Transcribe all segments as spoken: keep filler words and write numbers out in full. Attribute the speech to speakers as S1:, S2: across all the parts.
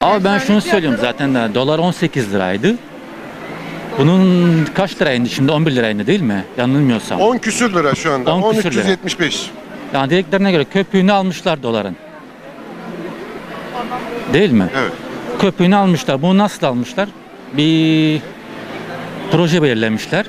S1: Ama ben şunu söylüyorum zaten de dolar on sekiz liraydı. Bunun kaç liraydı şimdi? on bir liraydı değil mi? Yanılmıyorsam.
S2: on küsür lira şu anda.
S1: on küsür
S2: on üç yüz yetmiş beş.
S1: Yani dediklerine göre köpüğünü almışlar doların. Değil mi?
S2: Evet.
S1: Köpüğünü almışlar. Bunu nasıl almışlar? Bir proje belirlemişler.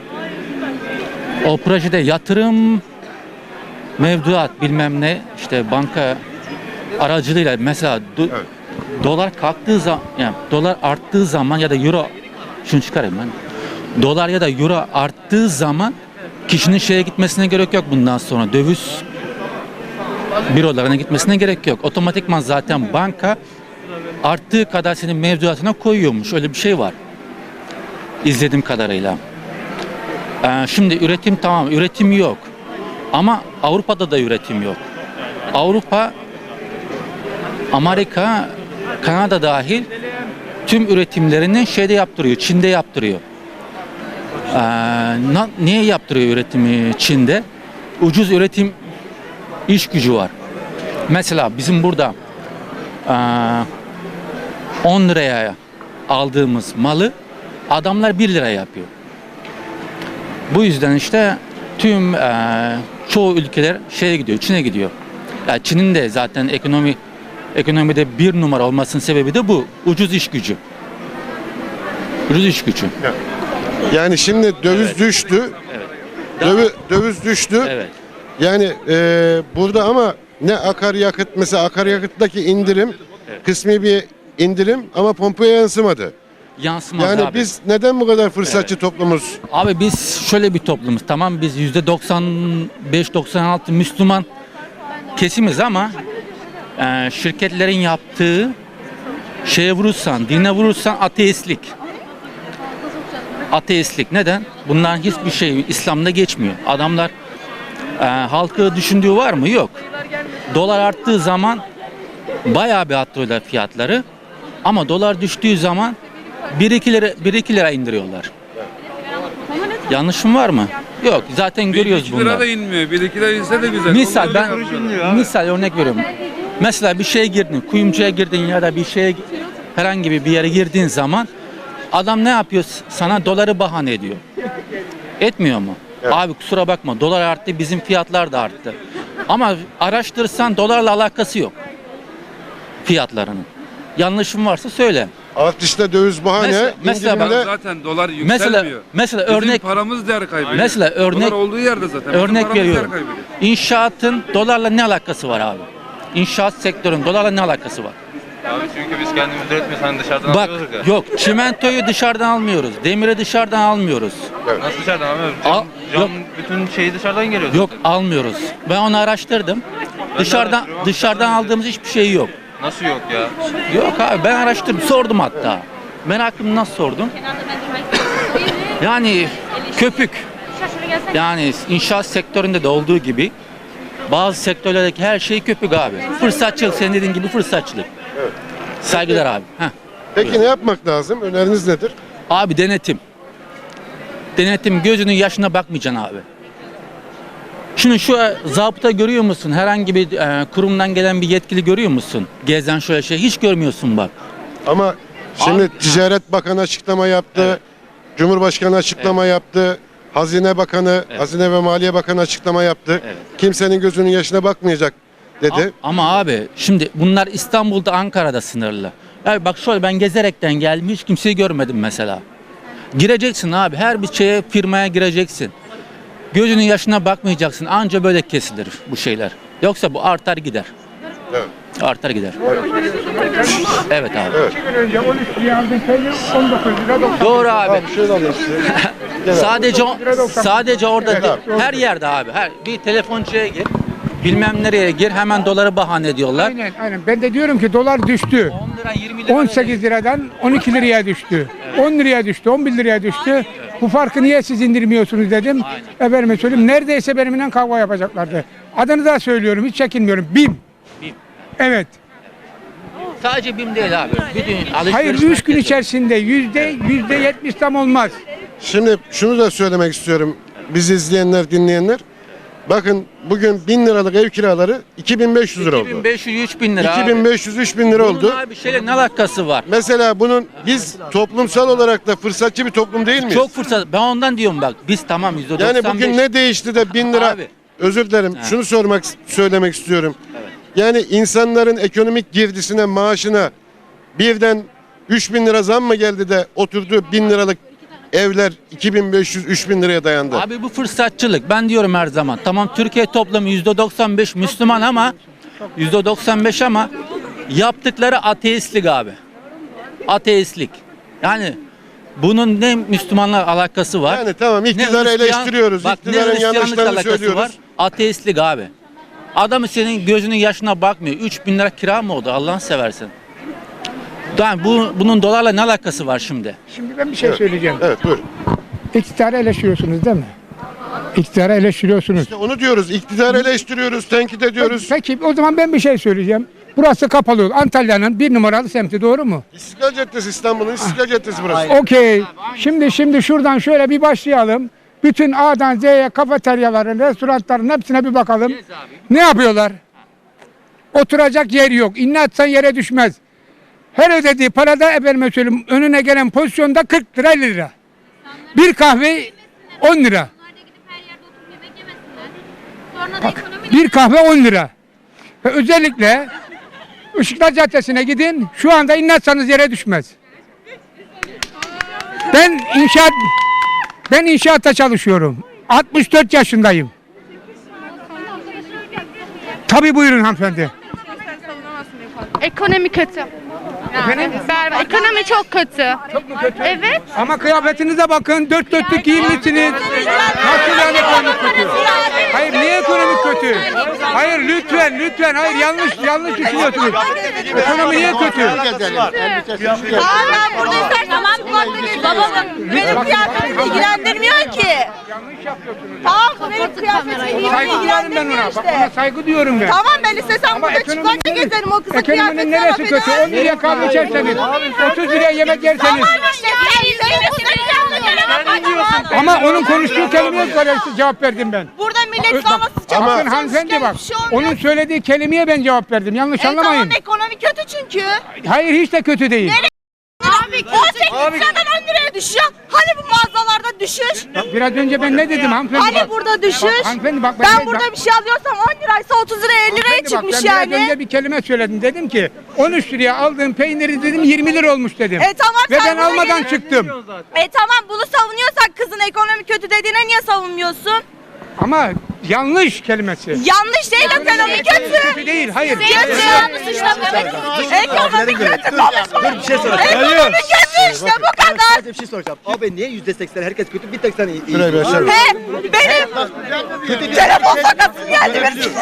S1: O projede yatırım, mevduat bilmem ne işte banka aracılığıyla mesela do-
S2: Evet.
S1: dolar kalktığı zaman yani dolar arttığı zaman ya da euro şunu çıkarayım ben. Dolar ya da euro arttığı zaman kişinin şeye gitmesine gerek yok bundan sonra. Döviz bürolarına gitmesine gerek yok. Otomatikman zaten banka arttığı kadar senin mevduatına koyuyormuş. Öyle bir şey var. İzlediğim kadarıyla. Ee, şimdi üretim tamam, üretim yok. Ama Avrupa'da da üretim yok. Avrupa, Amerika, Kanada dahil tüm üretimlerini şeyde yaptırıyor, Çin'de yaptırıyor. Ee, na, niye yaptırıyor üretimi Çin'de? Ucuz üretim iş gücü var. Mesela bizim burada ee, on liraya aldığımız malı adamlar bir liraya yapıyor. Bu yüzden işte tüm ee, çoğu ülkeler şeye gidiyor, Çin'e gidiyor. Yani Çin'in de zaten ekonomi ekonomide bir numara olmasının sebebi de bu. Ucuz iş gücü. Ucuz iş gücü.
S2: Yani şimdi döviz
S1: Evet.
S2: düştü.
S1: Evet.
S2: Dövi, döviz düştü.
S1: Evet.
S2: Yani e, burada ama ne akaryakıt mesela akaryakıttaki indirim
S1: Evet.
S2: kısmi bir indirim ama pompaya yansımadı.
S1: Yansımaz
S2: Yani
S1: abi.
S2: biz neden bu kadar fırsatçı toplumuz?
S1: Abi biz şöyle bir toplumuz. Tamam biz yüzde doksan beş doksan altı Müslüman kesimiz ama e, şirketlerin yaptığı şeye vurursan, dine vurursan ateistlik. Ateistlik. Neden? Bunların hiçbir şey İslam'da geçmiyor. Adamlar e, halkı düşündüğü var mı? Yok. Dolar arttığı zaman bayağı bir arttırıyorlar fiyatları. Ama dolar düştüğü zaman bir iki lira, bir iki lira indiriyorlar. Yanlışım var mı? Yok. Zaten görüyoruz
S3: bir iki lira
S1: bunları.
S3: da inmiyor. bir iki lira inse de güzel.
S1: Misal
S3: Onlar
S1: ben
S3: öyle konuşuyor.
S1: misal örnek veriyorum. Mesela bir şeye girdin, kuyumcuya girdin ya da bir şeye herhangi bir yere girdiğin zaman adam ne yapıyor? Sana doları bahane ediyor. Etmiyor mu?
S2: Evet.
S1: Abi kusura bakma dolar arttı, bizim fiyatlar da arttı. Ama araştırırsan dolarla alakası yok. Fiyatlarının. Yanlışım varsa söyle.
S2: Artışta döviz bahane,
S1: Mesela- mesela
S2: indirimde
S3: Ya zaten dolar
S1: Mesela
S3: yükselmiyor.
S1: mesela
S3: Bizim
S1: örnek
S3: paramız değer kaybediyor.
S1: Mesela örnek-
S3: Dolar olduğu yerde zaten. Bizim
S1: örnek
S3: paramız değer
S1: veriyorum.
S3: kaybediyor.
S1: İnşaatın dolarla ne alakası var abi? İnşaat sektörünün dolarla ne alakası var?
S4: Abi çünkü biz kendimiz üretmiyoruz, hani dışarıdan
S1: Bak
S4: alıyoruz ya.
S1: yok çimentoyu dışarıdan almıyoruz. Demiri dışarıdan almıyoruz.
S4: Nasıl dışarıdan almıyoruz?
S1: Al-
S4: Cam, cam
S1: yok.
S4: bütün şeyi dışarıdan geliyor.
S1: Yok
S4: zaten.
S1: almıyoruz. Ben onu araştırdım. Dışarıdan
S4: araştırıyorum,
S1: dışarıdan
S4: dışarıdan
S1: aldığımız hiçbir şey yok.
S4: Nasıl yok ya?
S1: Yok abi ben araştırdım, sordum hatta. Merakımı nasıl sordum? Yani köpük. Yani inşaat sektöründe de olduğu gibi bazı sektörlerdeki her şey köpük abi. Fırsatçılık, senin dediğin gibi fırsatçılık. Saygılar abi. Heh.
S2: peki ne yapmak lazım? Öneriniz nedir?
S1: Abi denetim. Denetim, gözünün yaşına bakmayacaksın abi. Şunu şu zabıta görüyor musun? Herhangi bir e, kurumdan gelen bir yetkili görüyor musun? Gezen şöyle şey hiç görmüyorsun bak.
S2: Ama şimdi
S1: Abi-
S2: Ticaret Bakanı açıklama yaptı.
S1: Evet.
S2: Cumhurbaşkanı açıklama yaptı. Hazine Bakanı,
S1: Evet.
S2: Hazine ve Maliye Bakanı açıklama yaptı.
S1: Evet.
S2: Kimsenin gözünün yaşına bakmayacak dedi.
S1: A- Ama abi şimdi bunlar İstanbul'da, Ankara'da sınırlı. Yani bak şöyle ben gezerekten geldim hiç kimseyi görmedim mesela. Gireceksin abi her bir şeye firmaya gireceksin. Gözünün yaşına bakmayacaksın anca böyle kesilir bu şeyler. Yoksa bu artar gider.
S2: Evet.
S1: Artar gider. Evet abi.
S2: Evet.
S5: İki gün önce on üç liraya aldığın peynir on dokuz lira doksan.
S1: Doğru abi.
S2: Abi şöyle alayım size. Gel abi.
S1: Sadece sadece orada
S2: Evet abi.
S1: her yerde abi. Her bir telefoncuya gir. Bilmem nereye gir hemen doları bahane ediyorlar.
S5: Aynen aynen. Ben de diyorum ki dolar düştü.
S1: on lira yirmi lira.
S5: on sekiz liradan on iki liraya düştü. on liraya düştü, on bir liraya düştü. Bu farkı niye siz indirmiyorsunuz dedim. Efendime söyleyeyim neredeyse benimle kavga yapacaklardı. Adını da söylüyorum hiç çekinmiyorum. BİM.
S1: BİM.
S5: Evet.
S1: Sadece BİM değil abi. Bütün alışveriş
S5: Hayır üç gün
S1: merkezi.
S5: içerisinde yüzde yüzde yetmiş tam olmaz.
S2: Şimdi şunu da söylemek istiyorum. Bizi izleyenler, dinleyenler. Bakın bugün bin liralık ev kiraları iki bin beş yüz lira oldu.
S1: iki bin beş yüz üç bin lira
S2: iki bin beş yüz üç bin lira
S1: abi.
S2: oldu.
S1: Bunun abi şeyle ne alakası var?
S2: Mesela bunun biz toplumsal olarak da fırsatçı bir toplum değil miyiz?
S1: Çok fırsat. Ben ondan diyorum bak. Biz tamam yüzde doksan beş.
S2: Yani bugün ne değişti de bin lira?
S1: Abi.
S2: Özür dilerim. Şunu sormak söylemek istiyorum. Yani insanların ekonomik girdisine, maaşına birden üç bin lira zam mı geldi de oturdu bin liralık evler iki bin beş yüz üç bin liraya dayandı.
S1: Abi bu fırsatçılık. Ben diyorum her zaman. Tamam Türkiye toplamı yüzde doksan beş Müslüman ama yüzde doksan beş ama yaptıkları ateistlik abi. Ateistlik. Yani bunun ne Müslümanla alakası var?
S2: Yani tamam
S1: ne
S2: iktidarı
S1: Hristiyan-
S2: eleştiriyoruz.
S1: Bak, ne
S2: İktidarın
S1: Hristiyanlıkla
S2: yanlışlarını
S1: alakası
S2: söylüyoruz.
S1: var? Ateistlik abi. Adamı senin gözünün yaşına bakmıyor. üç bin lira kira mı oldu Allah'ını seversen? Yani bu, bunun dolarla ne alakası var şimdi?
S5: Şimdi ben bir şey söyleyeceğim.
S2: Evet buyurun.
S5: İktidarı eleştiriyorsunuz değil mi? İktidarı eleştiriyorsunuz.
S2: İşte onu diyoruz. İktidarı eleştiriyoruz, tenkit ediyoruz.
S5: Peki o zaman ben bir şey söyleyeceğim. Burası kapalı yol. Antalya'nın bir numaralı semti doğru mu?
S2: İstiklal Caddesi İstanbul'un İstiklal Caddesi burası.
S5: Okey. Şimdi şimdi şuradan şöyle bir başlayalım. Bütün A'dan Z'ye kafeteryaların, restoranların hepsine bir bakalım. Ne yapıyorlar? Oturacak yer yok. İnne atsan yere düşmez. Her ödediği parada efendime söyleyeyim önüne gelen pozisyonda kırk lira elli lira. Bir kahve on lira.
S6: Onlar da gidip her yerde oturup yemek yemesinler. Sonra da ekonomi
S5: Bir kahve on lira. Ve özellikle Işıklar Caddesi'ne gidin. Şu anda inne atsanız yere düşmez. Ben inşaat ben inşaatta çalışıyorum. altmış dört yaşındayım. Tabii buyurun hanımefendi.
S7: Ekonomi kötü.
S5: Efendim?
S7: Berbat. Ekonomi çok kötü.
S5: Çok mu kötü?
S7: Evet.
S5: Ama kıyafetinize bakın. Dört dörtlük giyinmişsiniz. Nasıl yani ekonomik kötü? Hayır niye ekonomik kötü? Hayır lütfen lütfen. Hayır yanlış yanlış düşünüyorsunuz. Ekonomi niye kötü?
S8: Tamam ben burada istersen tamam kulaklarını babamın. Benim kıyafetim ilgilendirmiyor ki.
S5: Yanlış yapıyorsunuz.
S8: Tamam benim kıyafetim
S5: Saygı duyuyorum ben
S8: ilgilendirmiyor
S5: ona. Bak ona
S8: işte.
S5: saygı duyuyorum ben.
S8: Tamam ben istesem
S5: Ama
S8: burada
S5: ekonominin
S8: çıplakta
S5: neresi-
S8: gezerim o kızın
S5: Ekonominin
S8: kıyafetine
S5: neresi
S8: laf
S5: kötü? on
S8: edersin.
S5: liraya kahve içerseniz, otuz liraya yemek yerseniz.
S8: Tamam işte sen sen
S5: Ama onun konuştuğu kelimeye göre cevap verdim ben.
S8: Burada millet
S5: Bak,
S8: sağlasın
S5: Ama
S8: çalışsın,
S5: hanımefendi bak,
S8: bir şey olmuyor.
S5: onun söylediği kelimeye ben cevap verdim. Yanlış
S8: E
S5: anlamayın.
S8: tamam ekonomi kötü çünkü.
S5: Hayır hiç de kötü değil.
S8: Abi on sekiz liradan on liraya düşüyor. Hani bu mağazalarda düşüş?
S5: Biraz önce ben ne dedim hanımefendi?
S8: Hani
S5: bak.
S8: burada düşüş?
S5: Bak, hanımefendi bak.
S8: Ben
S5: bak-
S8: burada bir şey alıyorsam on liraysa otuz liraya elli liraya
S5: hanımefendi bak,
S8: çıkmış
S5: ben
S8: yani.
S5: Biraz önce bir kelime söyledim. Dedim ki on üç liraya aldığım peyniri dedim yirmi lira olmuş dedim.
S8: E tamam,
S5: Ve
S8: sen
S5: ben
S8: buna
S5: almadan
S8: gel-
S5: çıktım.
S8: E tamam bunu savunuyorsak kızın ekonomi kötü dediğine niye savunmuyorsun?
S5: Ama yanlış kelimesi.
S8: Yanlış değil ekonomi kötü.
S5: Kötü değil, hayır.
S8: Kötü. Ekonomi kötü konuşma.
S9: Bir şey soracağım.
S8: Ekonomi kötü işte bu kadar.
S9: Sadece bir şey soracağım. Abi niye yüzde seksen herkes kötü bir tek sen iyi? iyi.
S2: Şuraya bir açalım.
S8: He benim telefon sakatım geldi benim.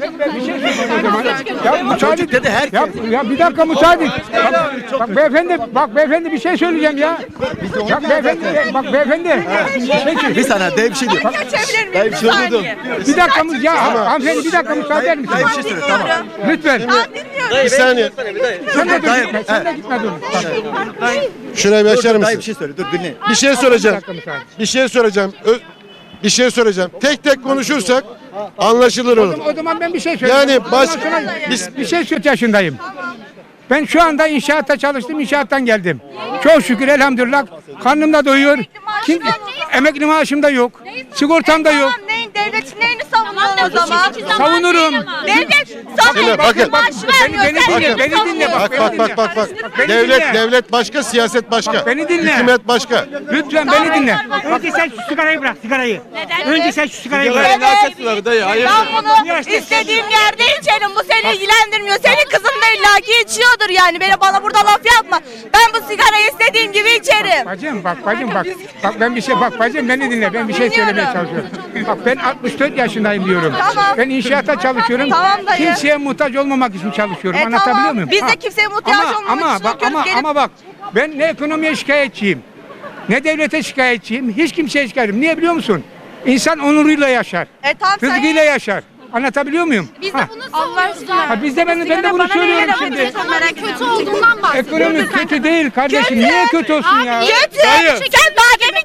S5: Ya müsaade
S9: dedi herkes.
S5: Ya, ya bir dakika müsaade. Bak, bak beyefendi, bak beyefendi bir şey söyleyeceğim ya. Bak beyefendi, bak beyefendi. Peki.
S9: Bir saniye dev bir şey diyor.
S8: Geçebilir miyim?
S9: Ben bir şey anladım.
S5: Bir dakika mı- ya hanımefendi bir dakika müsaade eder misin?
S9: Dayı bir şey söyle tamam.
S5: Lütfen.
S2: Bir saniye.
S5: Sen de dur
S9: Dayı-
S5: gitme, sen de gitme dur.
S2: Şuraya bir
S9: Dur,
S2: açar
S9: dur, dayı bir
S2: mısın?
S9: şey söyle dur dinle.
S2: Bir şey
S5: Bir
S2: soracağım.
S5: dakika müsaade.
S2: Bir şey soracağım. Ö- Bir şey soracağım. Tek tek konuşursak anlaşılır olur.
S5: O zaman ben bir şey söyleyeyim.
S2: Yani baş
S5: Ondan sonra
S2: biz
S5: bir şey söz yaşındayım. Ben şu anda inşaatta çalıştım, inşaattan geldim. Çok şükür elhamdülillah karnım da doyuyor. Kim, emekli maaşım da yok. Sigortam da yok.
S8: Tamam neyin devletin neyini savunuyorsun o zaman?
S5: Savunurum.
S8: Devlet sana
S2: Şimdi
S8: emekli
S2: bakın.
S8: maaş
S5: Beni-
S8: vermiyor.
S5: beni
S8: Sen
S5: dinle,
S8: neyini
S5: beni dinle
S8: savunuyorsun?
S5: bak.
S2: Bak bak bak bak bak.
S5: Beni
S2: Devlet
S5: dinle.
S2: devlet başka, siyaset başka.
S5: Bak, beni dinle.
S2: Hükümet başka.
S5: Lütfen beni dinle.
S10: Önce sen şu sigarayı bırak sigarayı. Önce sen şu sigarayı
S8: Evet.
S10: bırak.
S8: Ben bunu istediğim yerde içerim. Bu seni ilgilendirmiyor. Senin kızın da illaki içiyordur yani. Beni bana burada laf yapma. Ben bu sigarayı istediğim gibi içerim.
S5: Bacım bak bacım bak. Bak ben bir şey bak bacım beni dinle. Ben bir şey
S8: Dinliyorum.
S5: söylemeye çalışıyorum. Bak ben altmış dört yaşındayım diyorum.
S8: Tamam.
S5: Ben inşaatta çalışıyorum.
S8: Tamam dayı.
S5: Kimseye muhtaç olmamak için çalışıyorum.
S8: E
S5: Anlatabiliyor
S8: tamam.
S5: muyum?
S8: Biz de
S5: Ha.
S8: kimseye muhtaç
S5: ama,
S8: olmamak
S5: ama,
S8: için
S5: bak,
S8: okuyoruz.
S5: ama,
S8: Gelip-
S5: ama bak ben ne ekonomiye şikayetçiyim. Ne devlete şikayetçiyim. Hiç kimseye şikayetim. Niye biliyor musun? İnsan onuruyla yaşar.
S8: E tamam sen.
S5: Rızkıyla yaşar. Anlatabiliyor muyum?
S6: biz
S5: Ha.
S6: de bunu savunuyoruz.
S5: Ha, biz de ben, ben de bunu söylüyorum şimdi.
S6: Ekonomi kötü olduğundan bahsediyoruz.
S5: Ekonomi kötü değil kardeşim. Niye kötü olsun ya?
S8: Kötü.
S5: Dayı.
S8: Sen daha demin kendin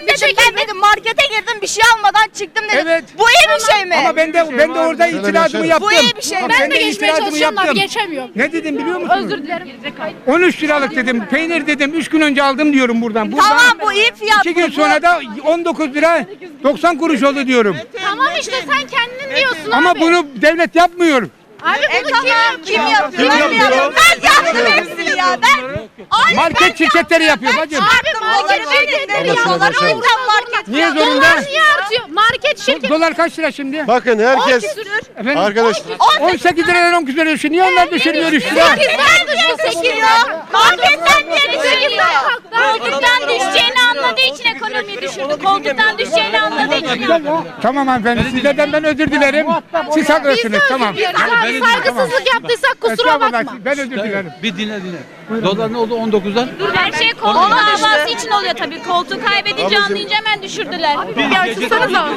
S8: kardeşim ben dedim markete girdim bir şey almadan çıktım dedim.
S5: Evet.
S8: Bu iyi bir şey mi?
S5: Ama ben de ben de orada itirazımı yaptım.
S8: Bu iyi bir şey.
S5: Bak,
S8: Ben
S5: de
S7: geçmeye
S5: itirazımı
S7: çalışıyorum abi,
S5: yaptım.
S7: geçemiyorum.
S5: Ne dedim biliyor musun?
S7: Özür dilerim.
S5: on üç liralık dedim. Peynir dedim. üç gün önce aldım diyorum buradan. buradan.
S8: Tamam bu iyi fiyat.
S5: İki gün
S8: bu.
S5: sonra da on dokuz lira doksan kuruş oldu diyorum.
S6: Tamam işte sen kendin diyorsun
S5: Ama
S6: abi.
S5: bunu devlet yapmıyor.
S6: Abi
S8: E
S6: bunu
S8: tamam kim yapıyor? Ben yapıyorum. Ben yaptım hepsini ya. Ben Ay,
S5: Market şirketleri yapıyor bacım.
S8: Abi market şirketleri yapıyorlar. O yüzden market.
S5: Niye
S6: Dolar
S5: zorunda?
S6: niye artıyor? Market şirketi.
S5: Dolar kaç lira şimdi?
S2: Bakın herkes
S5: Efendim?
S2: arkadaşlar
S5: on sekiz liradan on küsur düşüyor. Niye onlar düşürmüyor üç lira?
S8: Sekizden düştü sekizden. Marketten niye düşüyor?
S6: Koltuktan düşeceğini anladığı için ekonomiyi düşürdü. Koltuktan düşeceğini anladığı için.
S5: Tamam hanımefendi sizlerden ben özür dilerim. Siz haklısınız tamam.
S6: Abi saygısızlık yaptıysak kusura bakma.
S5: Estağfurullah, ben özür dilerim.
S1: Bir dinle dinle. Dolar ne oldu on dokuzdan?
S6: Her şey koltuk davası için oluyor tabii. Koltuğu kaybedince anlayınca hemen düşürdüler. Bir açılsanıza.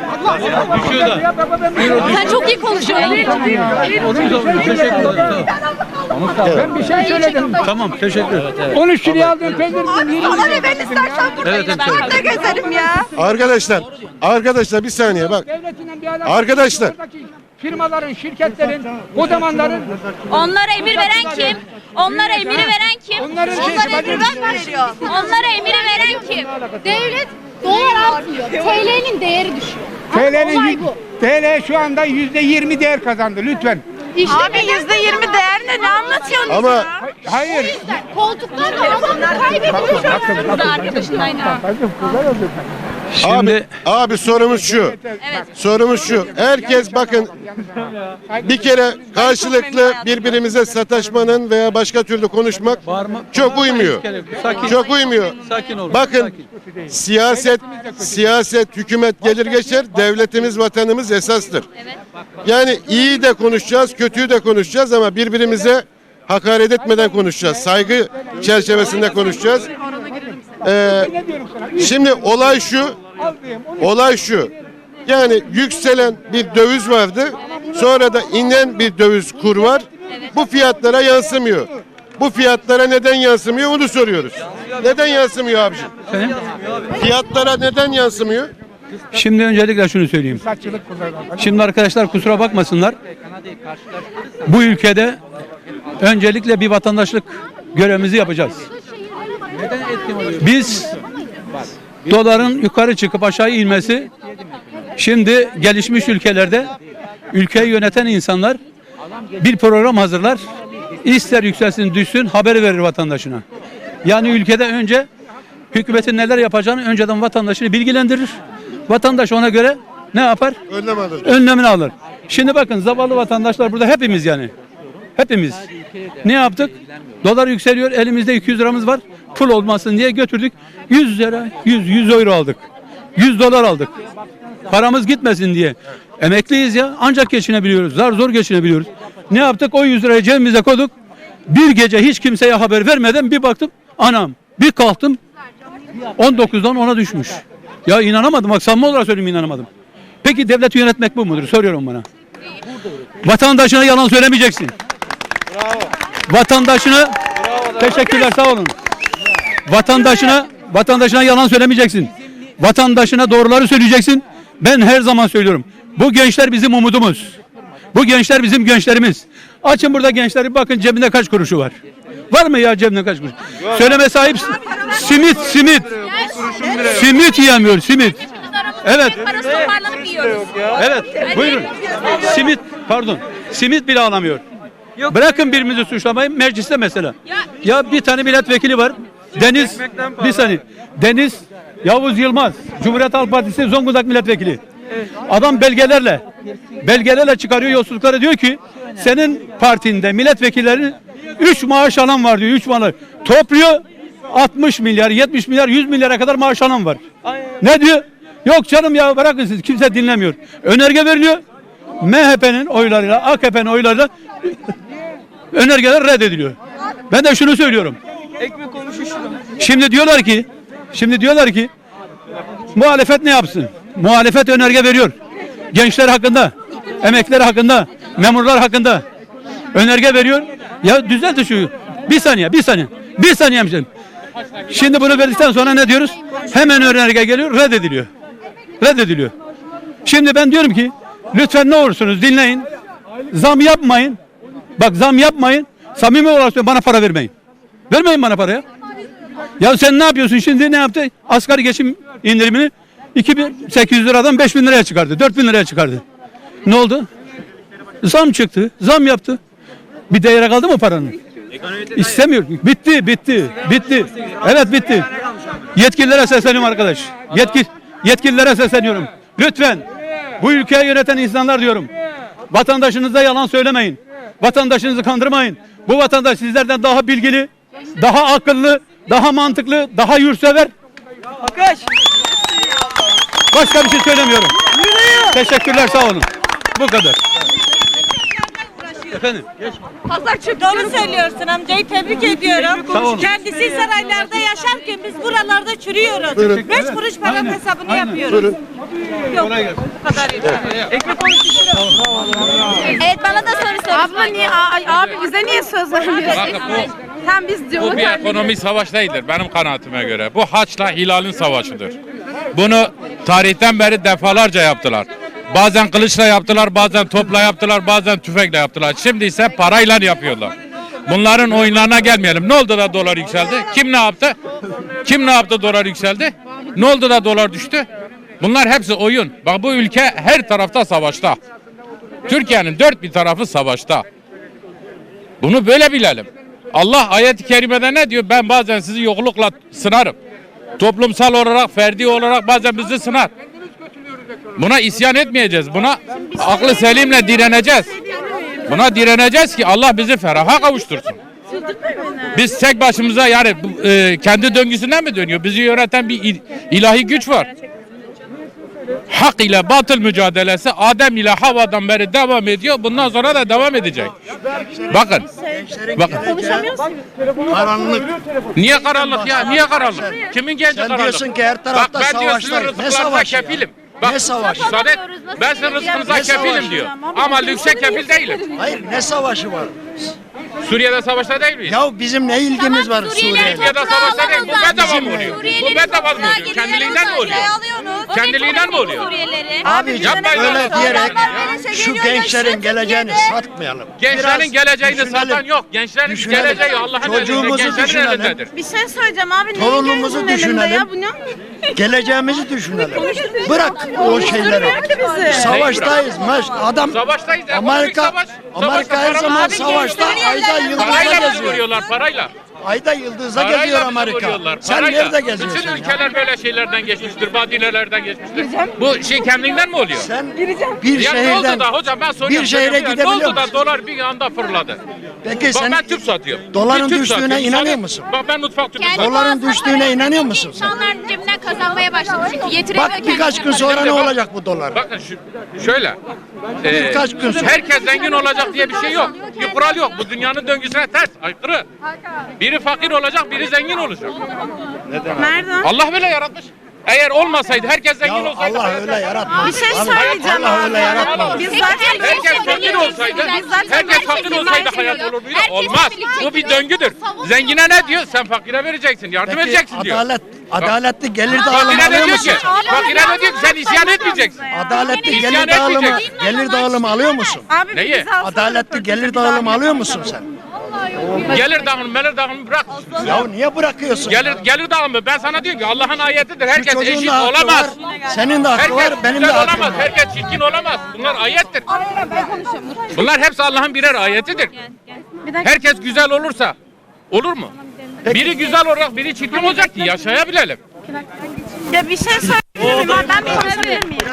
S6: Sen çok iyi konuşuyorsun.
S5: Ben bir şey söyledim.
S1: Tamam teşekkür ederim.
S5: on üç liraya aldığım peynir dedim.
S8: Bana ne ben istersen buradayım.
S1: Evet,
S8: Ben burada gezerim ya.
S2: arkadaşlar arkadaşlar bir saniye bak.
S5: Devletinden bir alakası
S2: Arkadaşlar.
S5: yok. Buradaki firmaların, şirketlerin, kodamanların
S6: Onlara emir veren kim? Onlara emiri veren kim?
S5: onların şeysi
S8: Onlara
S5: bacım.
S8: emir ben mi veriyorum?
S6: Onlara emiri veren kim? Devlet dolar artıyor. T L'nin değeri düşüyor.
S5: T L'nin
S6: Olay
S5: yü-
S6: bu.
S5: T L şu anda yüzde yirmi değer kazandı lütfen.
S6: İşte
S8: Abi yüzde yirmi değer ne? Ne anlatıyorsun?
S2: Ama
S5: Hayır.
S6: koltuktan da kaybediyor. Bu da arkadaşındaydı.
S2: abi abi sorumuz şu. Sorumuz şu. Herkes bakın bir kere karşılıklı birbirimize sataşmanın veya başka türlü konuşmak çok uymuyor. Çok uymuyor.
S1: Sakin ol.
S2: Bakın siyaset siyaset hükümet gelir geçer, devletimiz vatanımız esastır. Yani iyi de konuşacağız, kötüyü de konuşacağız ama birbirimize hakaret etmeden konuşacağız. Saygı çerçevesinde konuşacağız. Ee, şimdi olay şu, olay şu. Yani yükselen bir döviz vardı. Sonra da inen bir döviz kur var. Bu fiyatlara yansımıyor. Bu fiyatlara neden yansımıyor onu soruyoruz. Neden yansımıyor abiciğim? Fiyatlara neden yansımıyor?
S11: Şimdi öncelikle şunu söyleyeyim. Şimdi arkadaşlar kusura bakmasınlar. Bu ülkede öncelikle bir vatandaşlık görevimizi yapacağız. Biz doların yukarı çıkıp aşağı inmesi, şimdi gelişmiş ülkelerde ülkeyi yöneten insanlar bir program hazırlar. İster yükselsin düşsün haberi verir vatandaşına. Yani ülkede önce hükümetin neler yapacağını önceden vatandaşını bilgilendirir. Vatandaş ona göre ne yapar?
S2: Önlem alır.
S11: Önlemini alır. Şimdi bakın zavallı vatandaşlar burada hepimiz yani. Hepimiz. Ne yaptık? Dolar yükseliyor. Elimizde iki yüz liramız var. Pul olmasın diye götürdük. yüz lira, yüz, yüz euro aldık. yüz dolar aldık. Paramız gitmesin diye. Emekliyiz ya. Ancak geçinebiliyoruz. Zar zor geçinebiliyoruz. Ne yaptık? O yüz lirayı cebimize koyduk. Bir gece hiç kimseye haber vermeden bir baktım. Anam. Bir kalktım. on dokuzdan ona düşmüş. Ya inanamadım. Bak samimi olarak söyleyeyim inanamadım. Peki devleti yönetmek bu mudur? Soruyorum bana. Vatandaşına yalan söylemeyeceksin. Bravo. Vatandaşına teşekkürler sağ olun. Vatandaşına vatandaşına yalan söylemeyeceksin. Vatandaşına doğruları söyleyeceksin. Ben her zaman söylüyorum. Bu gençler bizim umudumuz. Bu gençler bizim gençlerimiz. Açın burada gençleri bakın cebinde kaç kuruşu var. Var mı ya cebinde kaç kuruş? Söyleme sahip simit simit. Simit yiyemiyor simit. Evet.
S6: Parası toparlanıp yiyoruz.
S11: Evet. Buyurun. Simit pardon. Simit bile alamıyor. Bırakın birimizi suçlamayı mecliste mesela. Ya bir tane milletvekili var. Deniz bir saniye. Deniz Yavuz Yılmaz. Cumhuriyet Halk Partisi Zonguldak milletvekili. Adam belgelerle belgelerle çıkarıyor yolsuzlukları diyor ki senin partinde milletvekillerinin üç maaş alan var diyor. üç maaş. Topluyor altmış milyar, yetmiş milyar, yüz milyara kadar maaş alan var. Ne diyor? Yok canım ya bırakın siz kimse dinlemiyor. Önerge veriliyor. M H P'nin oylarıyla, A K P'nin oylarıyla önergeler reddediliyor. Ben de şunu söylüyorum. Şimdi diyorlar ki, şimdi diyorlar ki muhalefet ne yapsın? Muhalefet önerge veriyor. Gençler hakkında, emekliler hakkında, memurlar hakkında önerge veriyor. Ya düzeltin şu. Bir saniye, bir saniye. Bir saniye hemşerim. Şimdi bunu verdikten sonra ne diyoruz? Hemen önerge geliyor, reddediliyor. Reddediliyor. Şimdi ben diyorum ki lütfen ne olursunuz dinleyin. Zam yapmayın. Bak zam yapmayın. Samimi olarak söylüyorum, bana para vermeyin. Vermeyin bana paraya. Ya sen ne yapıyorsun şimdi, ne yaptı? Asgari geçim indirimini iki bin sekiz yüz liradan beş bin liraya çıkardı. dört bin liraya çıkardı. Ne oldu? Zam çıktı. Zam yaptı. Bir değere kaldı mı paranın? İstemiyor. Bitti, bitti, bitti. Evet bitti. Yetkililere sesleniyorum arkadaş. Yetki, yetkililere sesleniyorum. Lütfen bu ülkeyi yöneten insanlar diyorum. Vatandaşınıza yalan söylemeyin. Vatandaşınızı kandırmayın. Bu vatandaş sizlerden daha bilgili, daha akıllı, daha mantıklı, daha yurtsever. Başka bir şey söylemiyorum. Teşekkürler, sağ olun. Bu kadar. Efendim?
S8: Doğru söylüyorsun amcayı tebrik ediyorum.
S11: Sağ olun.
S8: Kendisi saraylarda yaşarken biz buralarda çürüyoruz.
S2: Buyurun.
S8: Beş kuruş paranın hesabını
S11: Aynen.
S8: yapıyoruz.
S2: Buyurun.
S8: Yok. Bu kadar yeter.
S6: Evet bana da soru sor.
S7: Abla niye ay, abi bize niye söz vermiyorsun? Sen biz diyor.
S12: Bu bir ekonomi savaş değildir benim kanaatime göre. Bu Haç'la Hilal'in savaşıdır. Bunu tarihten beri defalarca yaptılar. Bazen kılıçla yaptılar, bazen topla yaptılar, bazen tüfekle yaptılar. Şimdi ise parayla yapıyorlar. Bunların oyunlarına gelmeyelim. Ne oldu da dolar yükseldi? Kim ne yaptı? Kim ne yaptı dolar yükseldi? Ne oldu da dolar düştü? Bunlar hepsi oyun. Bak bu ülke her tarafta savaşta. Türkiye'nin dört bir tarafı savaşta. Bunu böyle bilelim. Allah ayet-i kerimede ne diyor? Ben bazen sizi yoklukla sınarım. Toplumsal olarak, ferdi olarak bazen bizi sınar. Buna isyan etmeyeceğiz. Buna aklı selimle direneceğiz. Buna direneceğiz ki Allah bizi feraha kavuştursun. Biz tek başımıza yani e, kendi döngüsünden mi dönüyor? Bizi yöneten bir il, ilahi güç var. Hak ile batıl mücadelesi Adem ile Havva'dan beri devam ediyor. Bundan sonra da devam edecek. Bakın. Bakın.
S9: Karanlık.
S12: Niye karanlık ya? Niye karanlık? Kimin genci karanlık?
S9: diyorsun ki her tarafta
S12: Bak ben diyor
S9: savaşlar.
S12: sizin
S9: Ne
S12: rızıklarınıza
S9: savaşı ya?
S12: kefilim. Bak,
S9: Ne savaşı?
S12: müsaade et. Ben sizin rızkınıza
S9: Ne
S12: kefilim
S9: savaşı?
S12: diyor. Ama lükse kefil değilim.
S9: Hayır ne savaşı var?
S12: Suriye'de savaşta değil miyiz?
S9: Ya bizim ne ilgimiz var Suriye'yle?
S12: Türkiye'de savaşta değil. Bu bedava mı oluyor? Bu bedava mı oluyor? Kendiliğinden mi oluyor? Kendiliğinden mi oluyor?
S9: Abiciğim
S12: Yapmayın
S9: öyle
S12: Allah.
S9: diyerek
S8: Adamlar
S9: şu gençlerin geleceğini satmayalım.
S12: Gençlerin
S9: Biraz
S12: geleceğini
S9: düşünelim.
S12: satan yok. Gençlerin
S9: Düşünelim.
S12: geleceği Allah'ın elinde.
S9: Çocuğumuzu
S12: Gençlerin
S9: düşünelim.
S12: elindedir.
S7: Bir şey söyleyeceğim abi. neyin
S9: Torunumuzu
S7: gözünün elinde
S9: düşünelim.
S7: ya, bu ne?
S9: Geleceğimizi düşünelim. Bırak o şeyleri. Savaştayız. Maş. Adam
S12: Savaştayız. ya, bu büyük
S9: Amerika
S12: savaş.
S9: Amerika
S12: Savaşta
S9: her
S12: para
S9: zaman
S12: var.
S9: savaşta ayda yıldızda
S12: Parayla bizi
S9: geziyor.
S12: vuruyorlar parayla.
S9: Ayda yıldızda
S12: Parayla
S9: geziyor
S12: bizi
S9: Amerika.
S12: vuruyorlar,
S9: Sen
S12: parayla.
S9: nerede geziyorsun
S12: Bütün
S9: ya?
S12: ülkeler böyle şeylerden geçmiştir. Badinelerden geçmiştir. Bu şey kendinden mi oluyor?
S9: Sen bir
S12: Ya ne oldu
S9: şehirden
S12: da hocam ben soruyorum.
S9: bir şehre
S12: soruyorum ya,
S9: gidebiliyor
S12: Ne oldu da
S9: musun?
S12: dolar bir anda fırladı?
S9: Peki
S12: Bak
S9: sen
S12: ben tüp satıyorum.
S9: doların
S12: Bir tüp
S9: düştüğüne
S12: satıyorum.
S9: inanıyor
S12: Sadece-
S9: musun?
S12: Bak ben mutfak tüpü
S6: Kendi
S12: satıyorum.
S9: Doların
S6: boğazına
S9: düştüğüne
S6: para
S9: inanıyor
S6: verip
S9: musun sen?
S6: İnsanların cebinden kazanmaya başladı çünkü yetiremiyor
S9: Bak birkaç gün sonra
S12: Şimdi
S9: ne
S12: bak-
S9: olacak bu dolar?
S12: Bakın şu, şöyle. e,
S9: Birkaç gün sonra.
S12: Herkes zengin olacak diye bir şey yok. Bir kural yok. Bu dünyanın döngüsüne ters, aykırı. Biri fakir olacak, biri zengin olacak.
S7: Nereden?
S12: Allah böyle yaratmış. Eğer olmasaydı, herkes zengin
S9: Ya
S12: olsaydı.
S9: Allah öyle yaratmadı.
S7: Bir şey
S9: Abi,
S7: söyleyeceğim
S9: Allah
S7: abi.
S9: öyle yaratmadı.
S7: Biz
S6: Peki,
S7: zaten
S6: herkes
S12: Herkes
S6: Herkes
S12: fakir olsaydı,
S6: Biz zaten
S12: herkes
S6: herkes
S12: fakir
S6: birbirini
S12: olsaydı
S6: seviyor.
S12: hayat olur muydu?
S6: Herkes
S12: Olmaz.
S6: birlikte
S12: Bu bir
S6: gidiyor.
S12: döngüdür.
S6: Savunuyor.
S12: Zengine ne diyor? Sen fakire vereceksin, yardım
S9: Peki
S12: edeceksin diyor.
S9: adalet, adaletli gelir dağılımı
S12: Fakire
S9: alıyor
S12: ne diyor ki?
S9: musun?
S12: Fakire ne diyor ki? Sen isyan etmeyeceksin.
S9: Adaletli
S12: İsyan
S9: gelir dağılımı,
S12: etmeyeceksin.
S9: gelir dağılımı alıyor musun?
S7: Abi
S12: Neyi?
S7: biz alsana
S9: Adaletli gelir dağılımı alıyor musun sen?
S12: Gelir dağılımı, melir dağılımı bırak.
S9: Ya niye bırakıyorsun?
S12: Gelir, gelir dağılımı. Ben sana diyorum ki Allah'ın ayetidir.
S9: Şu
S12: Herkes
S9: çocuğun
S12: eşit
S9: da hakkı
S12: olamaz.
S9: var, senin de hakkı var,
S12: Herkes
S9: benim de
S12: güzel
S9: hakkım
S12: olamaz.
S9: var.
S12: Herkes çirkin olamaz. Bunlar ayettir. Bunlar hepsi Allah'ın birer ayetidir. Herkes güzel olursa olur mu? Biri güzel olarak biri çirkin olacak ki yaşayabilelim.
S7: Ya bir şey söyleyeyim abi. Ben bir konuşabilir miyim?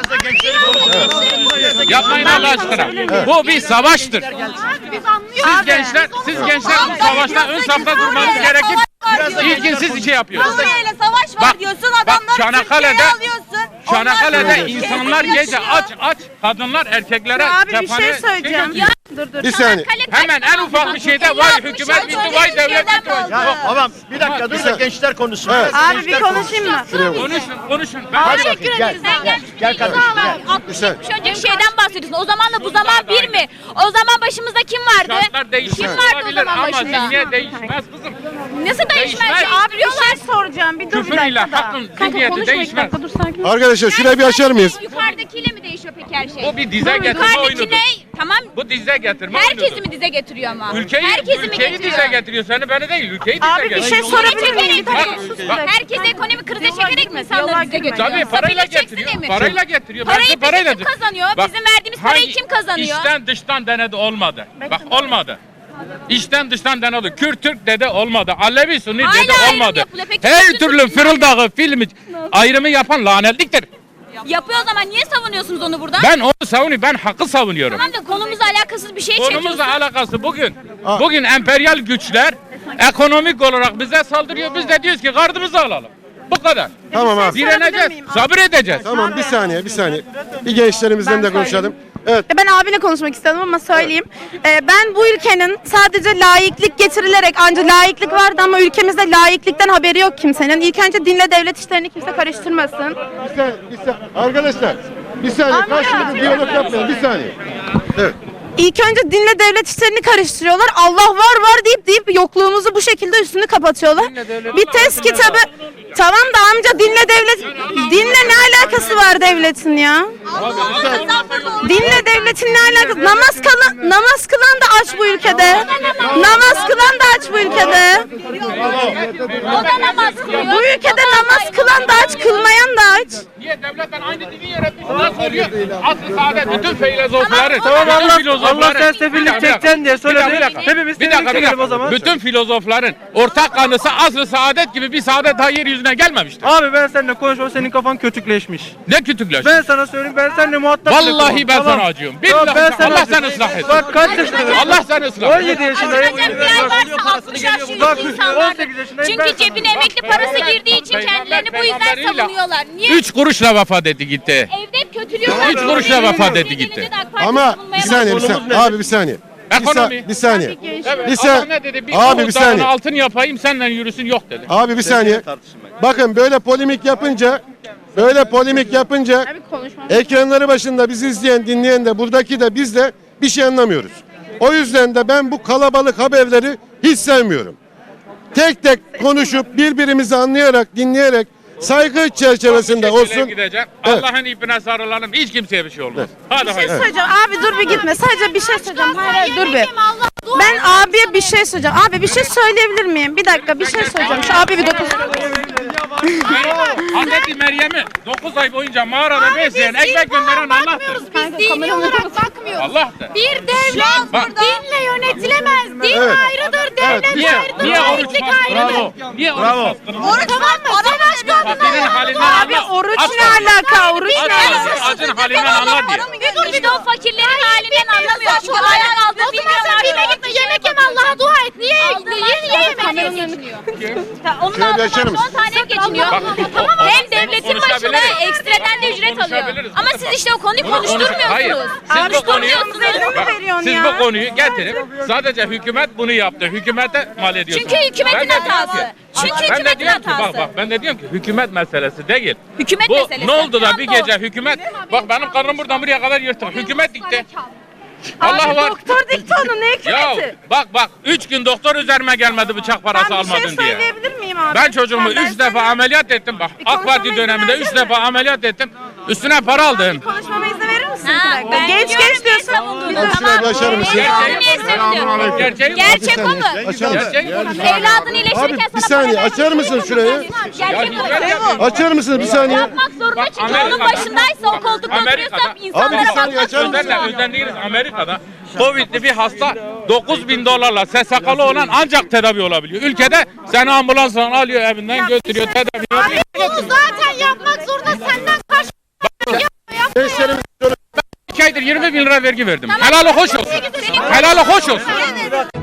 S12: Yapmayın Allah aşkına. Bu bir savaştır. Siz gençler, siz gençler bu savaşta ön safta durmanız gerekir. İlkin siz şey yapıyorsunuz.
S8: Suriye'yle savaş var
S12: Bak,
S8: diyorsun
S12: bak
S8: adamları
S12: Çanakkale'de-
S8: Türkiye'ye alıyorsun.
S12: Çanakkale'de
S8: Onlar
S12: insanlar
S8: ülkede
S12: gece
S8: yaşıyor.
S12: aç aç, kadınlar erkeklere
S7: Ya abi bir
S12: cephane
S7: şey söyleyeceğim.
S12: yapıyor.
S7: Dur dur.
S2: Bir saniye.
S12: Hemen en ufak bir şeyde vay hükümet bitti, vay devlet bitti. vay- Yok,
S9: Tamam bir dakika dur da gençler konuşsun.
S7: Abi bir konuşayım mı?
S12: konuşun, konuşun. Ben
S6: Teşekkür ederiz. Sen gelmiş
S9: Gel kardeşim, gel.
S6: altmış yetmiş önceki şeyden bahsediyorsun. O zamanla bu zaman bir mi? O zaman başımızda kim vardı?
S12: şartlar değişmiş
S6: Kim vardı o
S12: olabilir
S6: zaman
S12: ama
S6: başında?
S12: zihniyet değişmez kızım.
S6: Nasıl değişmez?
S12: Değişmez.
S7: Abi bir şey soracağım. Bir dur bir
S12: Küfür ile
S7: dakika da.
S12: hakkın
S7: Kanka
S12: zihniyeti
S7: konuşma iki
S12: değişmez.
S7: dakika dur sakin.
S2: Arkadaşlar şurayı bir açar mıyız?
S6: Yukarıdakiyle mi değişiyor peki her şey?
S12: Bu bir dize getirme
S6: Yukarıdaki
S12: oyunudur.
S6: ne? Tamam.
S12: Bu dize getirme
S6: Herkesi
S12: oyunudur.
S6: mi dize getiriyor ama?
S12: Ülkeyi,
S6: Herkesi mi
S12: ülkeyi
S6: getiriyor?
S12: dize getiriyor. Seni beni değil, ülkeyi dize
S7: Abi bir
S12: getiriyor.
S7: şey sorabilir miyim? Bir dakika
S12: Bak,
S7: sus bir
S12: bak.
S7: dakika.
S6: Herkese ekonomik krize
S7: Yola
S6: çekerek mi
S7: girme,
S6: insanları
S7: yola
S6: dize
S7: girme.
S6: getiriyor?
S12: Tabii parayla
S6: Safiye
S12: getiriyor.
S6: çeksin mi?
S12: Parayla getiriyor.
S6: Parayı
S12: Belki
S6: peki
S12: parayla
S6: kim kazanıyor?
S12: Bak,
S6: Bizim verdiğimiz parayı
S12: hangi-
S6: kim kazanıyor?
S12: İçten dıştan denedi olmadı. Bak olmadı. İçten dıştan denedi. Kürt Türk dedi olmadı. Alevi Sunni
S6: Hala
S12: dedi
S6: ayrım
S12: olmadı.
S6: yapılıyor. Peki
S12: Her
S6: bütün
S12: türlü
S6: Türkler-
S12: fırıldağı filmi ayrımı yapan lanetliktir.
S6: Yapıyor o zaman niye savunuyorsunuz onu burada?
S12: Ben onu savunuyorum. Ben hakkı savunuyorum.
S6: Tamam da konumuzla alakasız bir şey
S12: Konumuzla
S6: çekiyorsun.
S12: alakası bugün. Bugün emperyal güçler ekonomik olarak bize saldırıyor. Biz de diyoruz ki gardımızı alalım. Bu kadar.
S2: Tamam abi.
S12: Direneceğiz. Sabır edeceğiz.
S2: Tamam bir saniye bir saniye. Bir gençlerimizden de konuşalım. Evet.
S7: Ben abiyle konuşmak istedim ama söyleyeyim. Ee, ben bu ülkenin sadece laiklik getirilerek, ancak laiklik vardı ama ülkemizde laiklikten haberi yok kimsenin. İlk önce dinle devlet işlerini kimse karıştırmasın.
S2: Bir saniye, bir saniye. Arkadaşlar bir saniye
S7: Abi ya.
S2: karşılıklı diyalog yapmayalım bir saniye. Evet.
S7: İlk önce dinle devlet işlerini karıştırıyorlar. Allah var var deyip deyip yokluğumuzu bu şekilde üstünü kapatıyorlar. Bir test kitabı. Tamam da amca dinle devlet. Dinle ne alakası var devletin ya? Dinle devletin ne alakası? Namaz kılan, namaz kılan da aç bu ülkede. Namaz kılan da aç bu ülkede.
S6: O da namaz kılıyor.
S7: Bu ülkede namaz kılan da aç, kılmayan da aç.
S12: Niye devletten aynı dini yaratmışsın? Nasıl oluyor? Asıl saadet bütün filozofların.
S6: Tamam,
S12: bütün
S6: Allah-
S12: filozofların-
S10: Allah sersefillik
S12: Bir dakika,
S10: çekeceksin diye
S12: bir dakika,
S10: söyledi.
S12: bir dakika.
S10: Hepimiz
S12: Bir dakika, bir
S10: sevindik
S12: dakika.
S10: o zaman.
S12: Bütün filozofların ortak kanısı asıl saadet gibi bir saadet daha yeryüzüne gelmemiştir.
S10: Abi ben seninle konuşmam, senin kafan kötükleşmiş.
S12: Ne kütükler?
S10: Ben sana söyleyeyim, ben seninle muhatap bile
S12: Vallahi
S10: kurmam.
S12: ben
S10: Tamam.
S12: sana acıyorum.
S10: Tamam,
S12: Billahi
S10: ben
S12: sen-
S10: sana
S12: Allah
S10: acıyorum.
S12: seni ıslah etsin.
S10: Bak kaç yaşındayım?
S12: Allah seni ıslah etsin.
S10: on yedi yaşındayım.
S6: Acınacak bir ay varsa altmış yaş
S10: Bak,
S6: üstü insanlar.
S10: on sekiz yaşındayım,
S6: Çünkü
S10: ben-
S6: cebine emekli parası girdiği için kendilerini bu yüzden
S12: Peygamberiyle
S6: savunuyorlar. Niye?
S12: Üç kuruşla vefat etti gitti.
S6: Evde hep kötülüyorlar.
S12: Üç kuruşla vefat etti gitti.
S2: Ama bir saniye bir saniye. Abi bir saniye. Bir, sa-
S12: Ekonomi.
S2: bir saniye.
S12: Evet,
S2: Bir
S12: Allah
S2: sa-
S12: ne dedi? Bir
S2: Abi
S12: Uhud
S2: bir
S12: dağına
S2: saniye.
S12: altın yapayım senle yürüsün yok dedi.
S2: Abi bir saniye. Bakın böyle polemik yapınca böyle polemik yapınca ekranları başında bizi izleyen dinleyen de buradaki de biz de bir şey anlamıyoruz. O yüzden de ben bu kalabalık haberleri hiç sevmiyorum. Tek tek konuşup birbirimizi anlayarak dinleyerek saygı çerçevesinde
S12: Bir şekilde
S2: olsun.
S12: gidecek.
S2: Evet.
S12: Allah'ın ipine sarılalım. Hiç kimseye bir şey olmaz. Hadi
S7: Bir şey
S12: hayır.
S7: söyleyeceğim. Abi dur bir gitme. Sadece bir şey söyleyeceğim. Hayır, hayır dur bir. Ben abiye bir şey söyleyeceğim. Abi bir şey söyleyebilir miyim? Bir dakika bir şey söyleyeceğim. Şu abi bir dokuz.
S12: Hazreti Meryem'i dokuz ay boyunca mağarada besleyen, ekmek gönderen Allah'tır.
S6: Biz dini olarak bakmıyoruz.
S12: Allah'tır.
S6: Bir devlet
S12: Bak.
S6: dinle yönetilemez. Din
S2: Evet.
S6: ayrıdır, devlet
S12: Niye?
S6: ayrıdır,
S12: Niye oruç
S6: laiklik
S12: bastın?
S6: ayrıdır.
S12: Bravo. Niye oruç bastın?
S6: Oruç var mı? Savaş
S12: Fakirin
S6: kadını.
S12: halinden
S7: Abi
S12: anla.
S7: oruç
S12: Aç
S7: ne
S12: kalsın.
S7: alaka? Oruç
S12: Aç
S7: ne
S12: kalsın.
S7: alaka?
S12: Acın halinden anlar diye.
S6: Bir dur işte o fakirlerin halinden anlamıyor. Çünkü ayağın aldığı bilmiyorlar. Bime gitme yemek yeme Allah'a dua et. Niye? Niye niye yemek geçiniyor? Onun
S2: Şöyle
S6: aldığı
S2: açar
S6: maaş
S2: mısın?
S6: on tane geçiniyor.
S12: Bak,
S6: Tamam hem devletin başına
S12: konuşabiliriz.
S6: ekstradan da ücret alıyor.
S12: Konuşabiliriz.
S6: Ama siz işte o konuyu
S12: Hayır.
S6: konuşturmuyorsunuz.
S12: Siz bu konuyu,
S7: Konuşturmuyorsunuz.
S12: Bak,
S7: veriyorsun
S12: siz
S7: ya.
S12: bu konuyu getirip sadece hükümet bunu yaptı. Hükümete mal ediyorsunuz.
S6: Çünkü hükümetin
S12: Ben de diyorum
S6: hatası.
S12: ki-
S6: Çünkü
S12: ben de
S6: hükümetin
S12: diyorum ki,
S6: hatası.
S12: Bak bak ben de diyorum ki hükümet meselesi değil.
S6: Hükümet
S12: Bu
S6: meselesi.
S12: ne oldu da bir
S6: Tam da o.
S12: gece hükümet bak benim karnım buradan buraya kadar yırtık. Hükümet dikti. Allah
S7: Abi
S12: var.
S7: doktor dikti onu ne
S12: Ya
S7: hükümeti?
S12: bak bak üç gün doktor üzerime gelmedi bıçak parası
S7: Ben bir şey
S12: almadın diye.
S7: söyleyebilir miyim abi?
S12: Ben çocuğumu
S7: Lütfen, ben
S12: üç defa
S7: söyleyeyim.
S12: ameliyat ettim bak.
S7: Bir
S12: AK Parti
S7: konuşmama izin
S12: döneminde üç
S7: versene.
S12: defa ameliyat ettim. Üstüne para aldım.
S7: Konuşmama izin verir misin?
S6: Ha,
S7: bir dakika?
S6: ben
S7: Genç
S6: biliyorum
S7: genç
S6: niye
S7: diyorsun.
S6: savunduğunu.
S2: Tamam, şurayı bir açar mısın?
S6: Evladını niye seviyor?
S12: Gerçeği
S6: Gerçek o mu?
S2: Açar mısın?
S12: Gerçeği konuş.
S6: Evladını iyileştirirken
S2: Abi, bir
S6: sana
S2: saniye,
S6: para
S2: açar
S6: vermez.
S2: mısın şurayı?
S6: Gerçek o
S12: hizmet
S6: mu?
S12: yapıyor.
S2: Açar mısınız bir saniye?
S6: Yapmak zorunda
S12: Bak,
S6: çünkü onun
S12: Amerika'da-
S6: başındaysa o koltukta
S12: Amerika'da-
S6: oturuyorsa
S2: Abi,
S6: insanlara
S2: bir saniye
S6: bakmak
S2: açar mısın?
S12: Özenle,
S6: zorunda.
S12: özenliyiz Amerika'da. Covid'li bir hasta dokuz bin dolarla S S K'lı olan ancak tedavi olabiliyor. Ülkede seni ambulansla alıyor evinden götürüyor tedavi yapıyor.
S6: Bunu zaten yapmak zorunda senden kaç
S2: Gençlerimiz
S12: iki aydır yirmi bin lira vergi verdim. Helal hoş olsun. Helal hoş olsun.